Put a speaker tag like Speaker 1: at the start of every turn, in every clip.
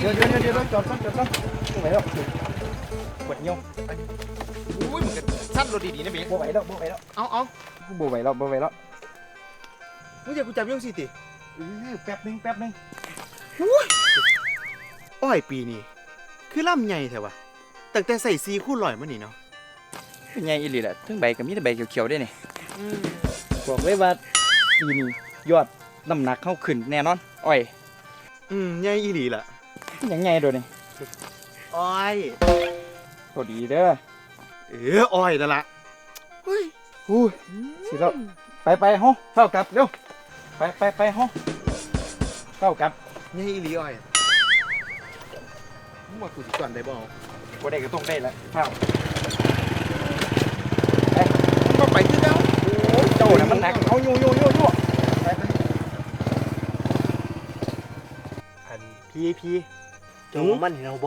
Speaker 1: ดี๋ยวจอดก่อนบ่ไหวแล้วปวดเงี้ยว
Speaker 2: อุ้ยมึงกันสั้นรถดีๆนะเบส
Speaker 1: บ่ไหวแล้ว
Speaker 2: เอา
Speaker 1: บ่ไหวแล้ว
Speaker 2: มึงจะกูจับยังสิติ
Speaker 1: แป๊บนึง
Speaker 2: อ้อยปีนี้คือล่ำใหญ่แท้วะตั้งแต่ใส่ซีคู่ลอยมานี่เนาะ
Speaker 1: เป็นไงอีหลีแหละทั้งใบกับมีแต่ใบเขียวๆได้นี่บอกเลยว่าปีนี้ยอดน้ำหนักเข้าขึ้นแน่นอนอ้อย
Speaker 2: ใหญ่อีหลีล่ะ
Speaker 1: ยังไงโดยนี่
Speaker 2: อ้อย
Speaker 1: พอดีเด้อ
Speaker 2: อ้อยนั่นล่ะเฮ้ย
Speaker 1: สิแล้วไปห้องเข้ากลับเร็วไปห้องเข้ากลับ
Speaker 2: ใหญ่อีหลีอ้อยมึงว่ากูสิก่อนได้บ่
Speaker 1: บ่ได้ก็ต้องได้แล้วเข้า
Speaker 2: ก็ไปคือเก่า
Speaker 1: เจ้าน่ะมันหนักเอาอยู่ไป
Speaker 2: อันพี่เจ้ามันเห็นเอาบ่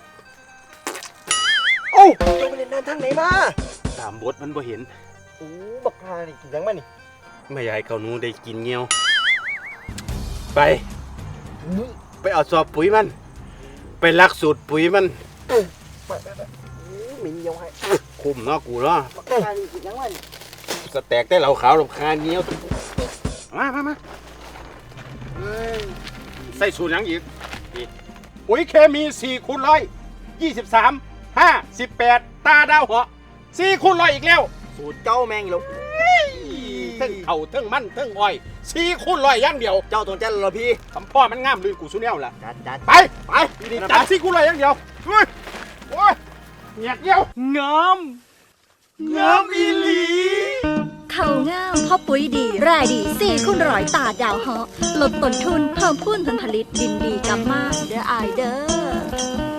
Speaker 1: โอ้
Speaker 2: เจ้าไปเล่นน้ำทางไหนมาตามบทมันบ่เห็น
Speaker 1: บักฮานี่กินยังมานี่
Speaker 2: ไม่อยากให้เขาหนูได้กินเงี้ยวไปเอาสอบปุ๋ยมันไปลักสูตรปุ๋ยมัน
Speaker 1: ไปมีเงี้ยวให้
Speaker 2: คุมเนาะกูเนาะ
Speaker 1: บักฮานี่กินยังมานี่
Speaker 2: สแต็กได้เหล่าขาวลำคาเงี้ยวมาใส่สูตรยังอีกปุ๋ยเคมี4 คูณ 100 23 5 18ตาดาวเหาะ4 คูณ 100อีกแล้ว
Speaker 1: สูตรเจ้าแมงลูก
Speaker 2: ทั้งเข่าทั้งมันทั้งอ้อย4 คูณ 100อย่างเดียว
Speaker 1: เจ้าตรงจันเหรอพี่
Speaker 2: คำพ่อมันงามลืนกูสุแนวล่ะ
Speaker 1: จัด
Speaker 2: ไปจัด4 คูณ 100อย่างเดียวโอ้ยเงียบเดียวงามอีหลี
Speaker 3: เขาง่ามพ่อปุ๋ยดีรายดี4 คูณ 100ตาดาวเหาะลดต้นทุนเพิ่มพูนผลผลิตดินดีกำมากเด้ออายเด้อ